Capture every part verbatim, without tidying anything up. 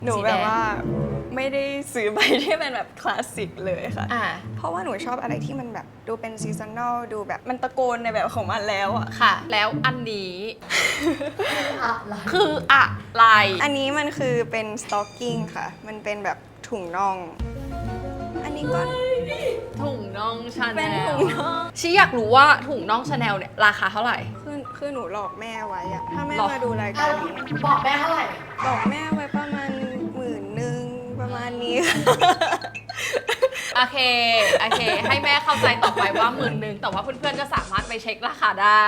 หนูแบบว่าไม่ได้ซื้อใบที่เป็นแบบคลาสสิกเลยค่ะ เพราะว่าหนูชอบอะไรที่มันแบบดูเป็นซีซันนอลดูแบบมันตะโกนในแบบของมันแล้วอะค่ะแล้วอันนี้ คืออะไรอันนี้มันคือเป็นสต็อกกิ้งค่ะมันเป็นแบบถุงน่องอันนี้ก็ถุงน่องชาแนลเป็นถุงน่องชีอยากรู้ว่าถุงน่องชาแนลเนี่ยราคาเท่าไหร่คือคือหนูหลอกแม่ไว้อะถ้าแม่หลอกมาดูรายการนี้บอกแม่เท่าไหร่บอกแม่ไว้ประมาณหมื่นหนึ่งประมาณนี้โอเคโอเค ให้แม่เข้าใจต่อไปว่าหมื่นหนึ่งแต่ว่าเพื่อนๆก็สามารถไปเช็คราคาได้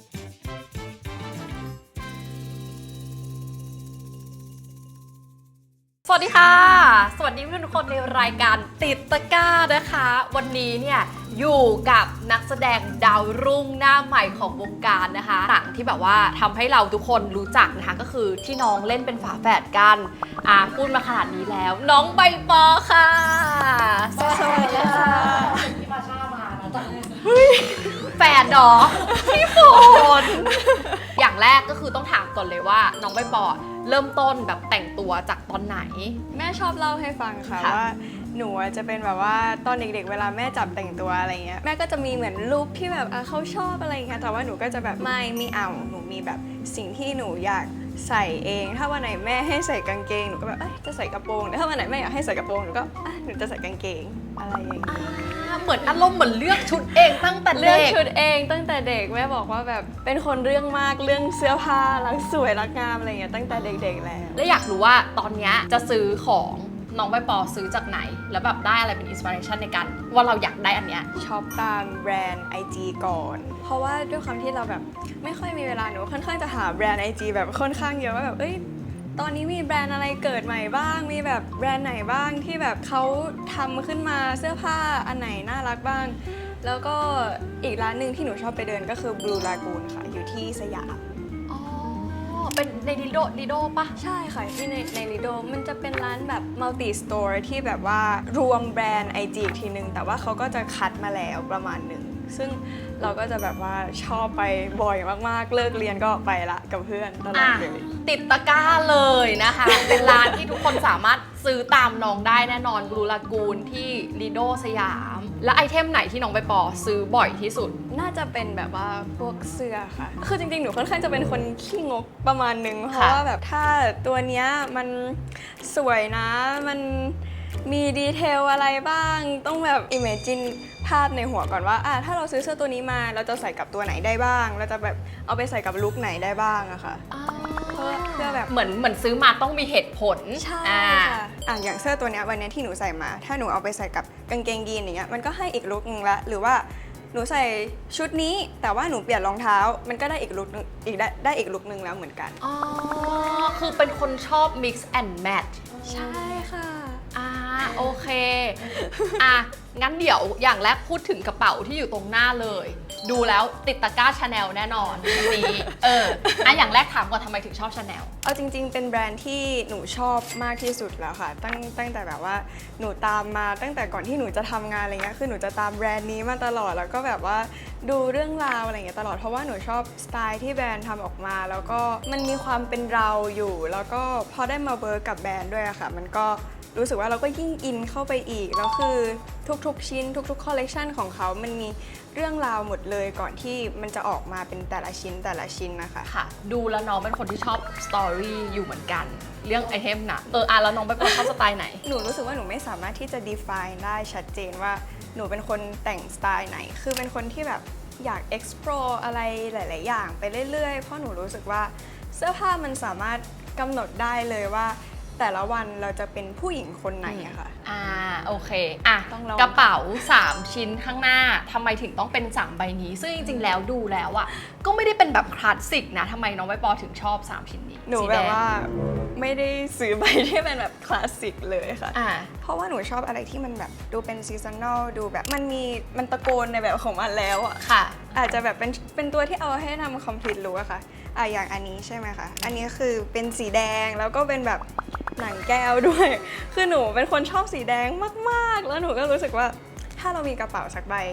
สวัสดีค่ะสวัสดีเพื่อนทุกคนในรายการติดตะกร้านะคะวันนี้เนี่ยอยู่กับนักแสดงดาวรุ่งหน้าใหม่ของวงการนะคะหนังที่แบบว่าทำให้เราทุกคนรู้จักนะคะก็คือที่น้องเล่นเป็นฝาแฝดกันอ่าพูดมาขนาดนี้แล้วน้องใบปอค่ะสวัสดีค่ะที่มาชามานะจ๊ะแฝดดอพี่ฝนอย่างแรกก็คือต้องถามก่อนเลยว่าน้องใบปอเริ่มต้นแบบแต่งตัวจากตอนไหนแม่ชอบเล่าให้ฟังค่ะว่าหนูจะเป็นแบบว่าตอนเด็กๆเวลาแม่จับแต่งตัวอะไรเงี้ยแม่ก็จะมีเหมือนลุคที่แบบเขาชอบอะไรเงี้ยแต่ว่าหนูก็จะแบบไม่ไม่เอาหนูมีแบบสิ่งที่หนูอยากใส่เองถ้าวันไหนแม่ให้ใส่กางเกงหนูก็แบบเอ้ยจะใส่กระโปรงแต่ถ้าวันไหนแม่อยากให้ใส่กระโปรงหนูก็อ่ะหนูจะใส่กางเกงอะไรอย่างเงี้ยเหมือนอารมณ์เหมือนเลือกชุดเองตั้งแต่เด็กเลือกชุดเองตั้งแต่เด็กแม่บอกว่าแบบเป็นคนเรื่องมากเรื่องเสื้อผ้ารักสวยรักงามอะไรเงี้ยตั้งแต่เด็กๆแล้วแล้วอยากรู้ว่าตอนนี้จะซื้อของน้องใบปอซื้อจากไหนแล้วแบบได้อะไรเป็นอินสปิเรชันในการว่าเราอยากได้อันเนี้ยช็อปตามแบรนด์ ไอ จี ก่อนเพราะว่าด้วยความที่เราแบบไม่ค่อยมีเวลาหนูค่อนข้างจะหาแบรนด์ ไอ จี แบบค่อนข้างเยอะว่าแบบเอ้ยตอนนี้มีแบรนด์อะไรเกิดใหม่บ้างมีแบบแบรนด์ไหนบ้างที่แบบเขาทำขึ้นมาเสื้อผ้าอันไหนน่ารักบ้างแล้วก็อีกร้านหนึ่งที่หนูชอบไปเดินก็คือ Blue Lagoon ค่ะอยู่ที่สยามเป็นในลิโดลิโดปะใช่ค่ะที่ในในลิโดมันจะเป็นร้านแบบมัลติสโตร์ที่แบบว่ารวมแบรนด์ ไอ จี อีกทีนึงแต่ว่าเขาก็จะคัดมาแล้วประมาณหนึ่งซึ่งเราก็จะแบบว่าชอบไปบ่อยมากๆเลิกเรียนก็ไปละกับเพื่อนตลอดเลยติดตะกร้าเลยนะคะ เป็นร้านที่ทุกคนสามารถซื้อตามน้องได้แน่นอนบลูลากูนที่ลิโดสยามและไอเทมไหนที่น้องใบปอซื้อบ่อยที่สุดน่าจะเป็นแบบว่าพวกเสื้อค่ะคือจริงๆหนูค่อนข้างจะเป็นคนขี้งกประมาณนึงเพราะว่าแบบถ้าตัวเนี้ยมันสวยนะมันมีดีเทลอะไรบ้างต้องแบบ imagine ภาพในหัวก่อนว่าอ่ะถ้าเราซื้อเสื้อตัวนี้มาเราจะใส่กับตัวไหนได้บ้างเราจะแบบเอาไปใส่กับลุคไหนได้บ้างอะค่ะเพื่อแบบเหมือนเหมือนซื้อมาต้องมีเหตุผลใช่ค่ะอ่ะอย่างเสื้อตัวนี้วันนี้ที่หนูใส่มาถ้าหนูเอาไปใส่กับกางเกงยีนอย่างเงี้ยมันก็ให้อีกลุคนึงละหรือว่าหนูใส่ชุดนี้แต่ว่าหนูเปลี่ยนรองเท้ามันก็ได้อีกลุคนึงอีกได้ได้อีกลุคนึงแล้วเหมือนกันอ๋อคือเป็นคนชอบ mix and match ใช่ค่ะอ่าโอเคอ่ะงั้นเดี๋ยวอย่างแรกพูดถึงกระเป๋าที่อยู่ตรงหน้าเลยดูแล้วติดตะกร้าชาแนลแน่นอนนี้เอออ่ะอย่างแรกถามก่อนทำไมถึงชอบชาแนลเอาจริงๆเป็นแบรนด์ที่หนูชอบมากที่สุดแล้วค่ะตั้งตั้งแต่แบบว่าหนูตามมาตั้งแต่ก่อนที่หนูจะทำงานอะไรเงี้ยคือหนูจะตามแบรนด์นี้มาตลอดแล้วก็แบบว่าดูเรื่องราวอะไรเงี้ยตลอดเพราะว่าหนูชอบสไตล์ที่แบรนด์ทำออกมาแล้วก็มันมีความเป็นเราอยู่แล้วก็พอได้มาเวิร์กกับแบรนด์ด้วยอะค่ะมันก็รู้สึกว่าเราก็ยิ่งอินเข้าไปอีกแล้วคือทุกๆชิ้นทุกๆคอลเลกชันของเขามันมีเรื่องราวหมดเลยก่อนที่มันจะออกมาเป็นแต่ละชิ้นแต่ละชิ้นนะคะค่ะดูแล้วน้องเป็นคนที่ชอบสตอรี่อยู่เหมือนกันเรื่องไอเทมนะเอออ่ะแล้วน้องเป็นคนชอบสไตล์ไหนหนูรู้สึกว่าหนูไม่สามารถที่จะ define ได้ชัดเจนว่าหนูเป็นคนแต่งสไตล์ไหนคือเป็นคนที่แบบอยาก explore อะไรหลายๆอย่างไปเรื่อยๆเพราะหนูรู้สึกว่าเสื้อผ้ามันสามารถกำหนดได้เลยว่าแต่ละวันเราจะเป็นผู้หญิงคนไหนอะค่ะอ่าโอเคอ่ะกระเป๋าสามชิ้นข้างหน้าทำไมถึงต้องเป็นสามใบนี้ซึ่งจริงๆแล้วดูแล้วอะก็ไม่ได้เป็นแบบคลาสสิกนะทำไมน้องใบปอถึงชอบสามชิ้นนี้หนูแบบว่าไม่ได้ซื้อใบที่เป็นแบบคลาสสิกเลยค่ะเพราะว่าหนูชอบอะไรที่มันแบบดูเป็นซีซันนอลดูแบบมันมีมันตะโกนในแบบของมันแล้วอะค่ะอาจจะแบบเป็นเป็นตัวที่เอาให้ทำ complete look อะค่ะอ่ะอย่างอันนี้ใช่ไหมคะอันนี้คือเป็นสีแดงแล้วก็เป็นแบบหนังแก้วด้วยคือหนูเป็นคนชอบสีแดงมากๆแล้วหนูก็รู้สึกว่าถ้าเรามีกระเป๋าสักใบถ้า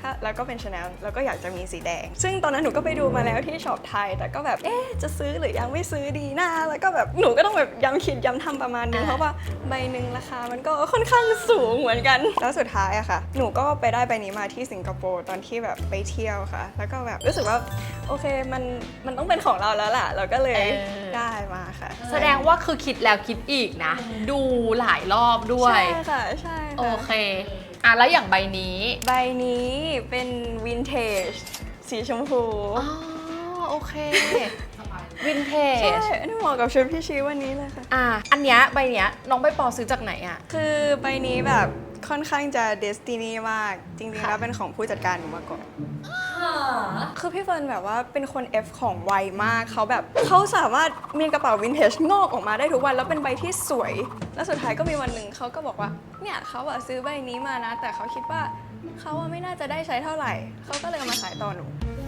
ถ้าแล้วก็เป็น Chanel แล้วก็อยากจะมีสีแดงซึ่งตอนนั้นหนูก็ไปดูมาแล้วที่ช็อปไทยแต่ก็แบบเอ๊ะจะซื้อหรือยังไม่ซื้อดีนะแล้วก็แบบหนูก็ต้องแบบย้ำคิดย้ำทำประมาณนึงเพราะว่าใบหนึ่งราคามันก็ค่อนข้างสูงเหมือนกันแล้วสุดท้ายอะค่ะหนูก็ไปได้ใบนี้มาที่สิงคโปร์ตอนที่แบบไปเที่ยวค่ะแล้วก็แบบรู้สึกว่าโอเคมันมันต้องเป็นของเราแล้วล่ะเราก็เลยได้มาค่ะแสดงว่าคือคิดแล้วคิดอีกนะ ดูหลายรอบด้วยใช่ค่ะใช่ค่ะโอเคอ่ะแล้วอย่างใบนี้ใบนี้เป็นวินเทจสีชมพูอ๋อโอเควินเทใช่จอันนี้เหมาะกับชุดพี่ชีวันนี้เลยค่ะอ่ะอันเนี้ยใบเนี้ยน้องใบปอซื้อจากไหนอ่ะคือใบนี้แบบค่อนข้างจะเดสตินีมาก จริงๆค่ะแล้วเป็นของผู้จัดการหนูมาก่อน คือพี่เฟิร์นแบบว่าเป็นคน F ของไวมากเขาแบบเขาสามารถมีกระเป๋าวินเทจงอกออกมาได้ทุกวัน แล้วเป็นใบที่สวย แล้วสุดท้ายก็มีวันหนึ่งเขาก็บอกว่าเนี่ยเขาอะซื้อใบนี้มานะ แต่เขาคิดว่าเขาอะไม่น่าจะได้ใช้เท่าไหร่เขาก็เลยเอามาขายต่อหนู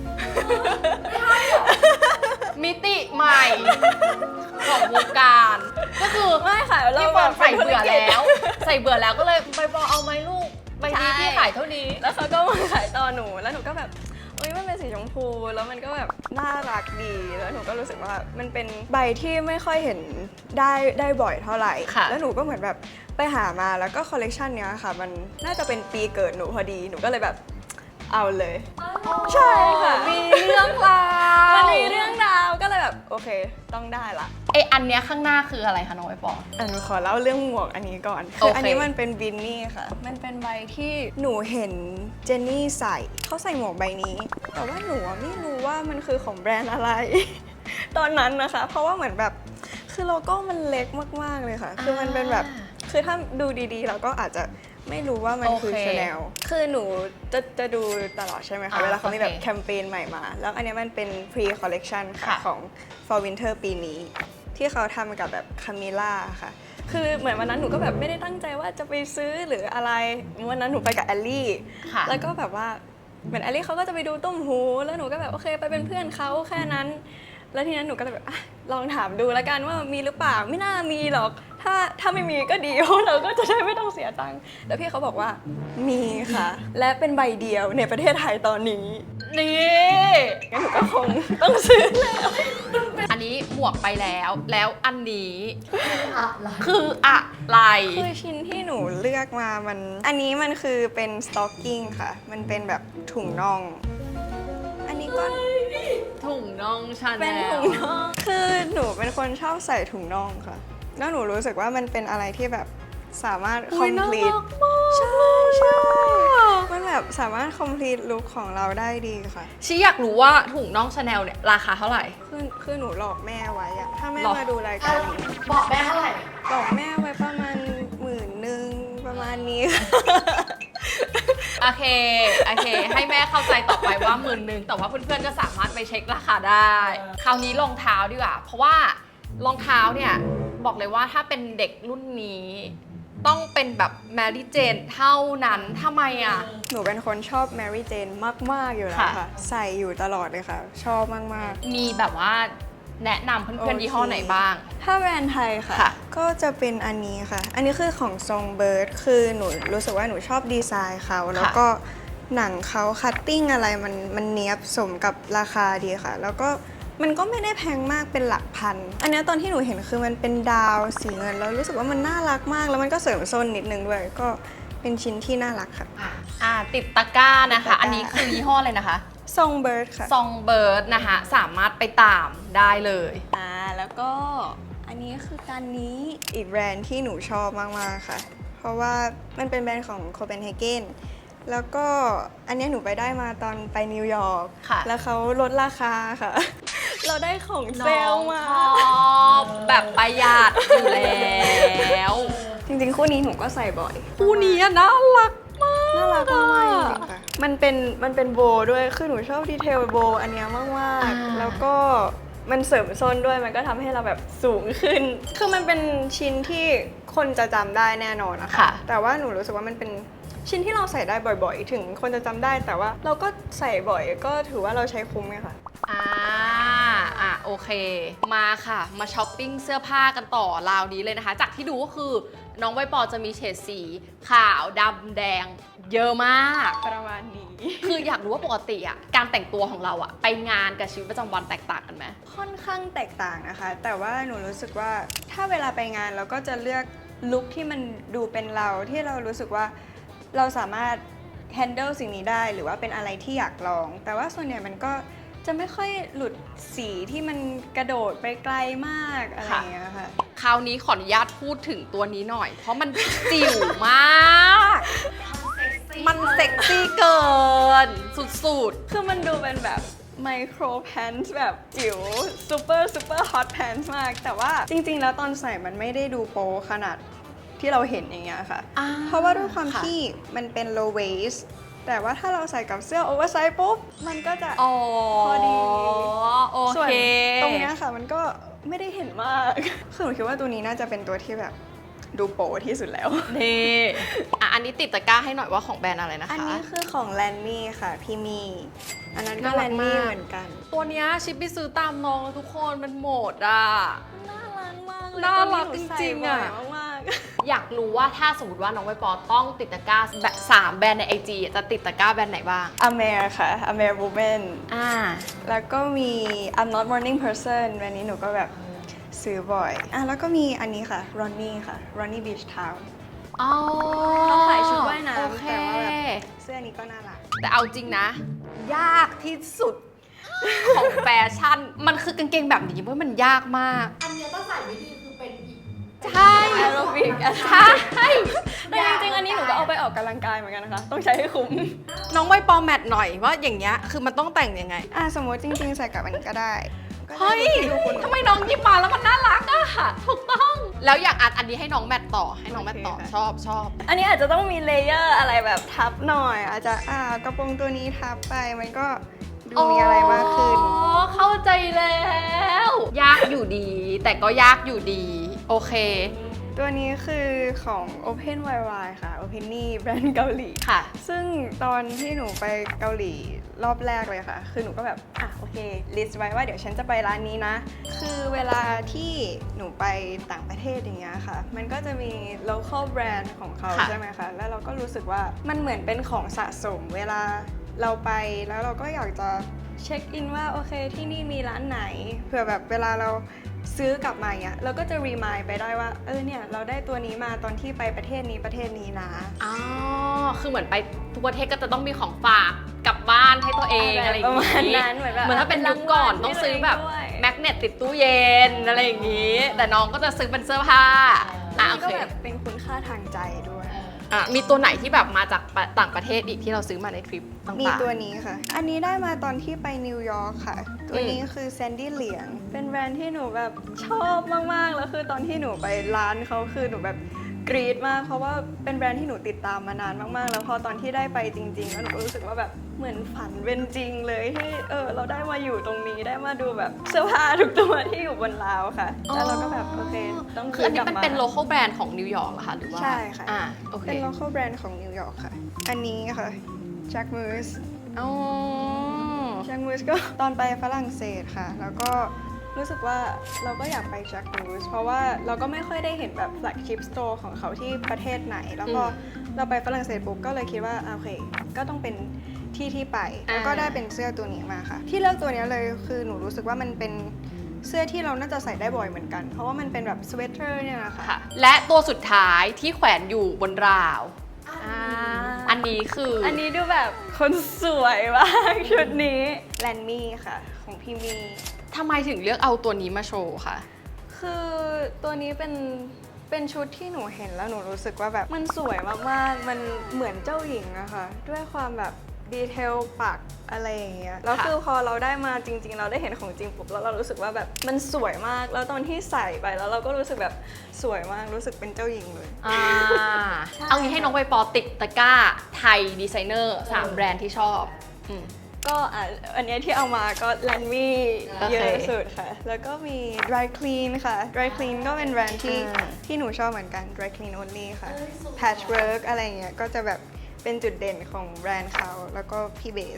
มิติใหม่ของวงการก็คือไม่ค่ะเราพี่ปอนใส่เบื่อแล้ว ใส่เบื่อแล้วก็เลยใบปอเอาไหมลูกใบนี้พี่ขายเท่านี้แล้วเขาก็มาขายต่อหนูแล้วหนูก็แบบโอ๊ยมันเป็นสีชมพูแล้วมันก็แบบน่ารักดีแล้วหนูก็รู้สึกว่ามันเป็นใบที่ไม่ค่อยเห็นได้ได้บ่อยเท่าไหร่ค่ะแล้วหนูก็เหมือนแบบไปหามาแล้วก็คอลเลกชันเนี้ยค่ะมันน่าจะเป็นปีเกิดหนูพอดีหนูก็เลยแบบเอาเลย ใช่ค่ะมีเรื่องราวมันมีเรื่องราวก็เลยแบบโอเคต้องได้ละไออันเนี้ยข้างหน้าคืออะไรคะน้องใบปออ่ะหนูขอเล่าเรื่องหมวกอันนี้ก่อนโอคือเคอันนี้มันเป็นบินนี่ค่ะ มันเป็นใบที่หนูเห็นเจนนี่ใส่เขาใส่หมวกใบนี้ แต่ว่าหนูอะไม่รู้ว่ามันคือของแบรนด์อะไร ตอนนั้นนะคะ เพราะว่าเหมือนแบบคือโลโก้มันเล็กมากๆเลยค่ะ คือมันเป็นแบบคือถ้าดูดีๆ เราก็อาจจะไม่รู้ว่ามันคือโอเคชาแนลคือหนูจะจะดูตลอดใช่ไหมคะอ่าเวลาเขามีแบบโอเคแคมเปญใหม่มา แล้วอันนี้มันเป็น pre collection ค่ะค่ะของ for winter ปีนี้ ที่เขาทำกับแบบคามิล่าค่ะ คือเหมือนวันนั้นหนูก็แบบไม่ได้ตั้งใจว่าจะไปซื้อหรืออะไร วันนั้นหนูไปกับแอลลี่ค่ะแล้วก็แบบว่าเหมือนแอลลี่เขาก็จะไปดูต้มหู แล้วหนูก็แบบโอเคไปเป็นเพื่อนเขาแค่นั้น แล้วทีนั้นหนูก็เลยแบบอ่ะลองถามดูแล้วกันว่ามีหรือเปล่า ไม่น่ามีหรอก ถ้าถ้าไม่มีก็ดี เพราะเราก็จะได้ไม่ต้องเสียตังค์ แล้วพี่เขาบอกว่ามีค่ะ และเป็นใบเดียวในประเทศไทยตอนนี้นี่งั้นหนูก็คงต้องซื้อแล้วอันนี้หมวกไปแล้ว แล้วอันนี้คืออะไรคือชิ้นที่หนูเลือกมามัน อันนี้มันคือเป็นสต็อกกิ้งค่ะ มันเป็นแบบถุงน่อง อันนี้ก็ถุงน่องชาแนเป็นลถุงน่อง คือหนูเป็นคนชอบใส่ถุงน่องค่ะ แล้วหนูรู้สึกว่ามันเป็นอะไรที่แบบสามารถอุ๊ยน่า complete รักมากใช่ใช่ มันแบบสามารถ complete look ของเราได้ดีค่ะชิอยากรู้ว่าถุงน่องชาแนลเนี่ยราคาเท่าไหร่คือคือหนูหลอกแม่ไว้อะถ้าแม่หรอมาดูรายการนี้บอกแม่เท่าไหร่หลอกแม่ไว้ประมาณหมื่นหนึ่งประมาณนี้ค่ะโอเค โอเค ให้แม่เข้าใจต่อไปว่าหมื่นหนึ่งแต่ว่าเพื่อนๆก็สามารถไปเช็คราคาได้ คราวนี้รองเท้าดีกว่า เพราะว่ารองเท้าเนี่ย บอกเลยว่าถ้าเป็นเด็กรุ่นนี้ ต้องเป็นแบบแมรี่เจนเท่านั้นทำไมอ่ะหนูเป็นคนชอบแมรี่เจนมาก ๆ อยู่แล้วค่ะค่ะ ใส่อยู่ตลอดเลยค่ะ ชอบมากมีแบบว่าแนะนำเพื่อนๆยี่ห้อไหนบ้างๆ ถ้าแบรนด์ไทยค่ะค่ะก็จะเป็นอันนี้ค่ะ อันนี้คือของ Songbird คือหนูรู้สึกว่าหนูชอบดีไซน์เขา แล้วก็หนังเขาคัตติ้งอะไรมันมันเนี้ยบสมกับราคาดีค่ะ แล้วก็มันก็ไม่ได้แพงมากเป็นหลักพัน อันนี้ตอนที่หนูเห็นคือมันเป็นดาวสีเงินแล้วรู้สึกว่ามันน่ารักมาก แล้วมันก็เสริมส้นนิดนึงด้วย ก็เป็นชิ้นที่น่ารักค่ะอ่ะอ่ะติดตะกร้านะคะติดตะกร้าอันนี้คือยี่ห้ออะไรนะคะ Songbird ค่ะซองเบิร์ดนะคะ สามารถไปตามได้เลยอ่าแล้วก็อันนี้คือการนี้อีกแบรนด์ที่หนูชอบมาก ๆ ค่ะ เพราะว่ามันเป็นแบรนด์ของโคเปนเฮเกนแล้วก็อันเนี้ยหนูไปได้มาตอนไปนิวยอร์กค่ะแล้วเขาลดราคาค่ะ เราได้ของเซลล์มาน้องชอบแบบประหยัดอยู่แล้วจริง ๆ คู่นี้หนูก็ใส่บ่อยคู่นี้อะน่ารักมากน่ารักมากๆจริงๆค่ะมันเป็นมันเป็นโบว์ด้วยคือหนูชอบดีเทลโบว์อันเนี้ยมากอ่าๆแล้วก็มันเสริมส้นด้วยมันก็ทำให้เราแบบสูงขึ้น คือมันเป็นชิ้นที่คนจะจำได้แน่นอนนะคะค่ะแต่ว่าหนูรู้สึกว่ามันเป็นชิ้นที่เราใส่ได้บ่อยๆ ถึงคนจะจำได้แต่ว่าเราก็ใส่บ่อยก็ถือว่าเราใช้คุ้มไงค่ะอ่าอ่ะโอโอเคมาค่ะมาช้อปปิ้งเสื้อผ้ากันต่อราวนี้เลยนะคะจากที่ดูก็คือน้องใบปอจะมีเฉดสีขาวดำแดงเยอะมากประมาณนี้คืออยากรู้ว่าปกติอ่ะการแต่งตัวของเราอ่ะไปงานกับชีวิตประจำวันแตกต่างกันไหมค่อนข้างแตกต่างนะคะ แต่ว่าหนูรู้สึกว่าถ้าเวลาไปงานเราก็จะเลือกลุคที่มันดูเป็นเราที่เรารู้สึกว่าเราสามารถ handle สิ่งนี้ได้หรือว่าเป็นอะไรที่อยากลอง แต่ว่าส่วนใหญ่มันก็จะไม่ค่อยหลุดสีที่มันกระโดดไปไกลมากอะไรอย่างเงี้ยค่ะคราวนี้ขออนุญาตพูดถึงตัวนี้หน่อย เพราะมันจิ๋วมาก มันเซ็กซี่เกิน สุดคือมันดูเป็นแบบไมโครแพนท์แบบจิ๋วซูเปอร์ซูเปอร์ฮอตแพนท์มาก แต่ว่าจริงๆ แล้วตอนใส่มันไม่ได้ดูโปขนาดที่เราเห็นอย่างเงี้ยค่ะอ่าเพราะว่าด้วยความค่ะที่มันเป็น low waist แต่ว่าถ้าเราใส่กับเสื้อ oversize ปุ๊บ มันก็จะๆอ๋อพอดีโอส่วนเคตรงเนี้ยค่ะมันก็ไม่ได้เห็นมาก คือหนูคิดว่าตัวนี้น่าจะเป็นตัวที่แบบดูโปที่สุดแล้วนี่อ่ะอันนี้ติดตะกร้าให้หน่อยว่าของแบรนด์อะไรนะคะอันนี้คือของแลนมี่ค่ะพี่มี อันนั้นก็น่าแลรักนมี่มากเหมือนกันตัวเนี้ยชิปไปซื้อตามน้องแล้วทุกคนมันหมดอ่ะน่ารักมากเลยน่ารักตัวนี้หนูจริงๆอะใส่บ่ยมากอยากรู้ว่าถ้าสมมติว่าน้องใบปอต้องติดตะกร้าแบบสามแบรนด์ในไอจีจะติดตะกร้าแบรนด์ไหนบ้างอเมรค่ะอเมร woman อ่าแล้วก็มี I'm not morning person วันนี้หนูก็แบบซื้อบ่อยอ่ะแล้วก็มีอันนี้ค่ะ Ronnie ค่ะ Ronnie Beach Town อ๋อเขาขายชุดว่ายน้ำโอเคแต่ว่าแบบ เสื้อนี้ก็น่ารักแต่เอาจริงนะ ยากที่สุด ของแฟชั่น มันคือกางเกงแบบนี้เว้ยมันยากมากอันเนี้ยถ้าใส่ไม่ดีคือเป็นอีกใช่แอโรบิกใช่แต่จริงๆ อันนี้หนูก็เอาไปออกกำลังกายเหมือนกันนะคะ ต้องใช้ให้คุ้มน้องใบปอแมทหน่อยว่าอย่างเงี้ยคือมันต้องแต่งยังไงอ่ะสมมติจริงๆ ใส่กับอันนี้ก็ได้ก็ได้เฮ้ยดูคุณทำไมน้องหยิบมาแล้วมันน่ารักอะถูกต้อง แล้วอยากอัดอันนี้ให้น้องแมทต่อให้น้องแมทต่อชอบชอบอันนี้อาจจะต้องมีเลเยอร์อะไรแบบทับหน่อย อาจจะอ่ากระโปรงตัวนี้ทับไปมันก็ดูมีอะไรมากขึ้นอ๋อ เข้าใจแล้ว ยากอยู่ดี แต่ก็ยากอยู่ดี โอเคตัวนี้คือของ Open วาย วาย ค่ะ Open นี่แบรนด์เกาหลีค่ะซึ่งตอนที่หนูไปเกาหลีรอบแรกเลยค่ะ คือหนูก็แบบ อ่ะ โอเค ลิสต์ไว้ว่าเดี๋ยวฉันจะไปร้านนี้นะ คือเวลาที่หนูไปต่างประเทศอย่างเงี้ยค่ะ มันก็จะมี local brand ของเขาค่ะใช่ไหมคะ แล้วเราก็รู้สึกว่ามันเหมือนเป็นของสะสม เวลาเราไปแล้วเราก็อยากจะเช็คอินว่าโอเคที่นี่มีร้านไหน เผื่อแบบเวลาเราซื้อกลับมาอย่างเงี้ยเราก็จะรีมายไปได้ว่าเออเนี่ยเราได้ตัวนี้มาตอนที่ไปประเทศนี้ประเทศนี้นะอ๋อ คือเหมือนไปทุกประเทศก็จะต้องมีของฝากกลับบ้านให้ตัวเองอะไรอย่างประมาณนี้นั้นเหมือนแบบเหมือนถ้าเป็นยุคก่อนต้องซื้อแบบด้วยแมกเนตติดตู้เย็นอะไรอย่างนี้ แต่น้องก็จะซื้อเป็นเสื้อผ้า อ่ะมัโอนก็เคแบบเป็นคุณค่าทางใจด้วยอ่ะมีตัวไหนที่แบบมาจากต่างประเทศอีกที่เราซื้อมาในทริปต่างๆมีตัวนี้ค่ะ อันนี้ได้มาตอนที่ไปนิวยอร์กค่ะ ตัวนี้คือแซนดี้เหลียง เป็นแบรนด์ที่หนูแบบชอบมากๆ แล้วคือตอนที่หนูไปร้านเขาคือหนูแบบกรี๊ดมาก เพราะว่าเป็นแบรนด์ที่หนูติดตามมานานมากๆ แล้วพอตอนที่ได้ไปจริงๆ แล้วหนูก็รู้สึกว่าแบบเหมือนฝันเป็นจริงเลยที่เออเราได้มาอยู่ตรงนี้ได้มาดูแบบเสื้อผ้าทุกตัวที่อยู่บนราวค่ะ แล้วเราก็แบบโอเคต้องคืออันนี้มันกลับาเป็น local brand ของนิวยอร์กเหรอคะหรือว่าใช่ค่ะอ่าโอเคเป็น local brand ของนิวยอร์กค่ะ อันนี้ค่ะ Jack Moose อ๋อ Jack Moose ก็ตอนไปฝรั่งเศสค่ะ แล้วก็รู้สึกว่าเราก็อยากไป Jack Moose เพราะว่าเราก็ไม่ค่อยได้เห็นแบบ flagship store ของเขาที่ประเทศไหน แล้วพอเราไปฝรั่งเศสปุ๊บก็เลยคิดว่าอ่ะโอเค ก็ต้องเป็นที่ที่ไป แล้วก็ได้เป็นเสื้อตัวนี้มาค่ะ ที่เลือกตัวนี้เลยคือหนูรู้สึกว่ามันเป็นเสื้อที่เราน่าจะใส่ได้บ่อยเหมือนกัน เพราะว่ามันเป็นแบบสเวตเตอร์เนี่ยนะคะค่ะ และตัวสุดท้ายที่แขวนอยู่บนราวอ่าอันนี้คืออัอันนี้ดูแบบคนสวยมากชุดนี้แลนมี่ค่ะ ของพี่มีทำไมถึงเลือกเอาตัวนี้มาโชว์คะคือตัวนี้เป็นเป็นชุดที่หนูเห็นแล้วหนูรู้สึกว่าแบบมันสวยมากๆ มันเหมือนเจ้าหญิงอะค่ะ ด้วยความแบบดีเทลปักอะไรอย่างเงี้ย แล้วคือพอเราได้มาจริง ๆ เราได้เห็นของจริงปุ๊บแล้วเรารู้สึกว่าแบบมันสวยมาก แล้วตอนที่ใส่ไปแล้วเราก็รู้สึกแบบสวยมาก รู้สึกเป็นเจ้าหญิงเลยอ่า เอางี้ให้น้องใบปอติดตะกร้าไทยดีไซเนอร์สามแบรนด์ที่ชอบอืมก็อ่ะอันเนี้ยที่เอามาก็แลนมี่โอเคเยอะสุดค่ะ แล้วก็มี Dry Clean ค่ะ Dry Clean ก็เป็นแบรนด์ที่อ่าที่หนูชอบเหมือนกัน Dry Clean Only ค่ะ Patchwork อะไรเงี้ยก็จะแบบเป็นจุดเด่นของแบรนด์เขา แล้วก็พี่เบส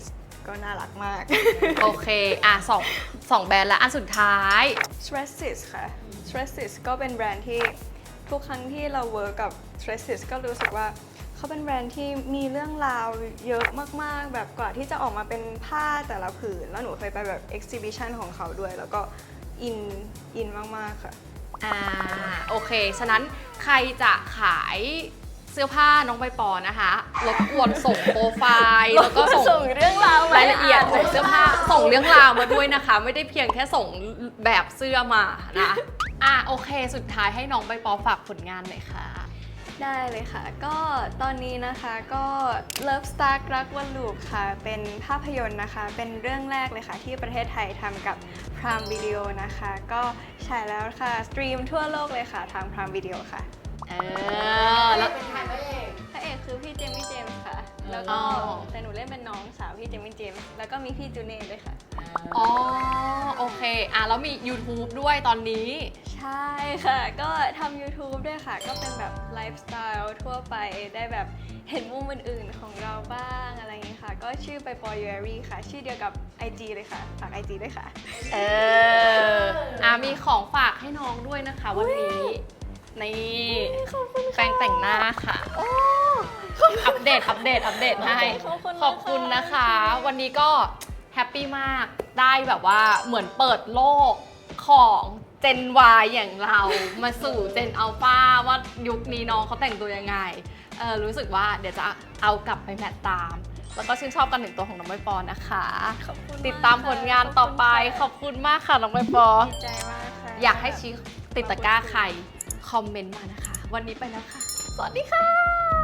ก็น่ารักมากโอเคอ่ะสองสองแบรนด์และอันสุดท้าย s t r e s s i s ค่ะ s t r e s s i s ก็เป็นแบรนด์ที่ทุกครั้งที่เราเวิร์กกับ s t r e s s i s ก็รู้สึกว่าเขาเป็นแบรนด์ที่มีเรื่องราวเยอะมากๆ แบบกว่าที่จะออกมาเป็นผ้าแต่ละผืน แล้วหนูเคยไปแบบ exhibition ของเขาด้วย แล้วก็อินอินมากๆค่ะอ่าโอเค ฉะนั้นใครจะขายเสื้อผ้าน้องใบปอนะคะรบกวนส่งโปรไฟล์แล้วก็ส่งส่งเรื่องราวมารายละเอียดของเสื้อผ้าส่งเรื่องราวมาด้วยนะคะ ไม่ได้เพียงแค่ส่งแบบเสื้อมานะอ่ะโอเค สุดท้ายให้น้องใบปอฝากผลงานหน่อยค่ะได้เลยค่ะ ก็ตอนนี้นะคะก็ Love Star รักวันลูปค่ะ เป็นภาพยนตร์นะคะ เป็นเรื่องแรกเลยค่ะ ที่ประเทศไทยทำกับ Prime Video นะคะ ก็ฉายแล้วค่ะ สตรีมทั่วโลกเลยค่ะ ทาง Prime Video ค่ะเออแล้วเป็นใครพระเอกพระเอกคือพี่เจมี่เจมส์ค่ะ แล้วก็อ๋อแต่หนูเล่นเป็นน้องสาวพี่เจมี่เจมส์แล้วก็มีพี่จูเน่ด้วยค่ะอ๋อโอเคอ่ะแล้วมี YouTube ด้วยตอนนี้ใช่ค่ะ ก็ทำ YouTube ด้วยค่ะ ก็เป็นแบบไลฟ์สไตล์ทั่วไป ได้แบบเห็นมุมอื่นๆของเราบ้างอะไรอย่างนี้ค่ะ ก็ชื่อไปปอยูแอรี่ค่ะ ชื่อเดียวกับ ไอ จี เลยค่ะ ฝาก ไอ จี ด้วยค่ะเอออ่ะมีของฝากให้น้องด้วยนะคะวันนี้นี่แปรงแต่งหน้าค่ะ อัปเดต อัปเดต อัปเดตให้ขอบคุณนะคะขอบคุณนะคะ วันนี้ก็แฮปปี้มาก ได้แบบว่าเหมือนเปิดโลกของเจน Y อย่างเรามาสู่เจนอัลฟาว่ายุคนี้น้องเขาแต่งตัวยังไงเออรู้สึกว่าเดี๋ยวจะเอากลับไปแมทตาม แล้วก็ชื่นชอบกันถึงตัวของน้องใบปอนะคะขอบคุณติดตามผลงานต่อไป ขขออบบคุคุณณมากค่ะน้องใบปอดีใจมากค่ะอยากให้ชี้ติดตะกร้าใคร คอมเมนต์มานะคะ วันนี้ไปแล้วค่ะ สวัสดีค่ะ